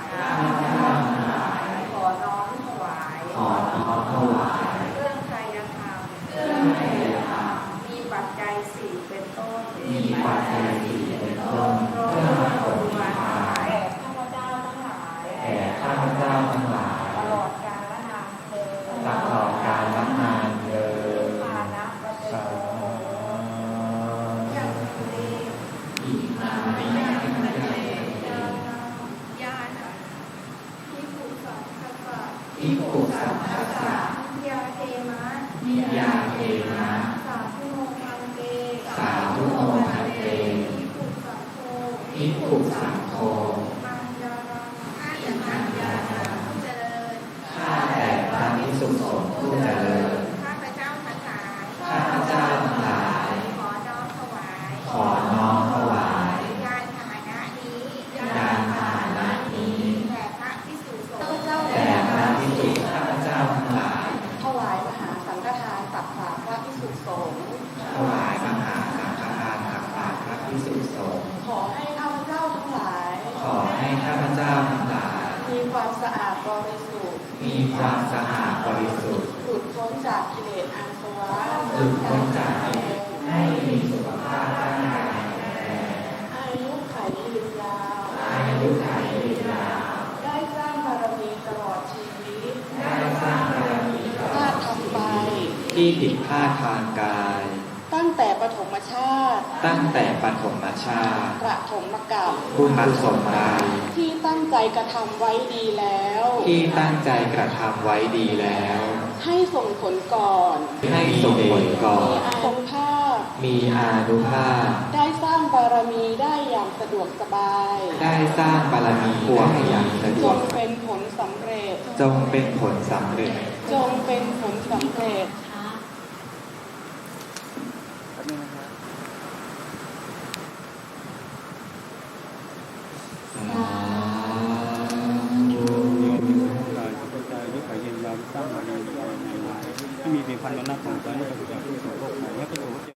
ข้าพเจ้าทั้งหลายขอน้อมถวายขอน้อมถวายเครื่องไตรธรรมเครื่องไตรธรรมมีปัจจัยสี่เป็นต้นมีปัจจัยสี่เป็นต้นเพื่อถวายแด่ข้าพเจ้าทั้งหลายแด่ข้าพเจ้าทั้งหลายตลอดกาลนานเทอญตลอดกาลนานเถิดปานะปะเตสาโกยังเตอิมานิยังเตญาณพิภูสังฆสะอิปุสัมภะสะยาเทมะนิยาเทนะสาธุโมคันเตสาธุโอคันเตพิภูสังโฆอิปุสังโฆมังยารังข้าอย่างนั้นยานาผู้เจริญข้าแต่พระภิกษุสงฆ์ผู้เจริญข้าพเจ้าทั้งหลายข้าพเจ้าทั้งหลายขอน้อมถวายขอน้อมถวายยานพาหนะนี้ยานพาหนะนี้แด่พระภิกษุสงฆ์แด่พระภิกษุข้าพเจ้าทั้งหลายถวายมหาสังฆทานตักบาตรพระภิกษุสงฆ์ถวายมหาสังฆทานตักบาตรพระภิกษุสงฆ์ขอให้ข้าพเจ้าทั้งหลายขอให้ข้าพเจ้าทั้งหลายมีความสะอาดบริสุทธิ์มีความสะอาดบริสุทธิ์หลุดพ้นจากกิเลสอาสวะหลุดพ้นจากกิเลสให้มีสุขภาพร่างกายแข็งแรงอายุขัยยืนยาวอายุขัยยืนยาวได้สร้างบารมีตลอดชีวิตได้สร้างบารมีพลาดทำไปที่ผิดพลาดทางกายตั้งแต่ปฐมชาติตั้งแต่ปฐมชาติประถมกับบุญกุศลใดที่ตั้งใจกระทำไว้ดีแล้วที่ตั้งใจกระทำไว้ดีแล้วให้ส่งผลก่อนให้ส่งผลก่อนทรงภาพมีอานุภาพได้สร้างบารมีได้อย่างสะดวกสบายได้สร้างบารมีพวงอย่างสะดจวกงเป็นผลสำเร็จจงเป็นผลสำเร็จจงเป็นผลสำเร็จสาธุกายกระจายด้วยขายเย็นยาวสร้างบารมีในวันให้มีเพียงพันวันนับของใจให้ประสบความสำเร็จโลกไหนให้ประสบ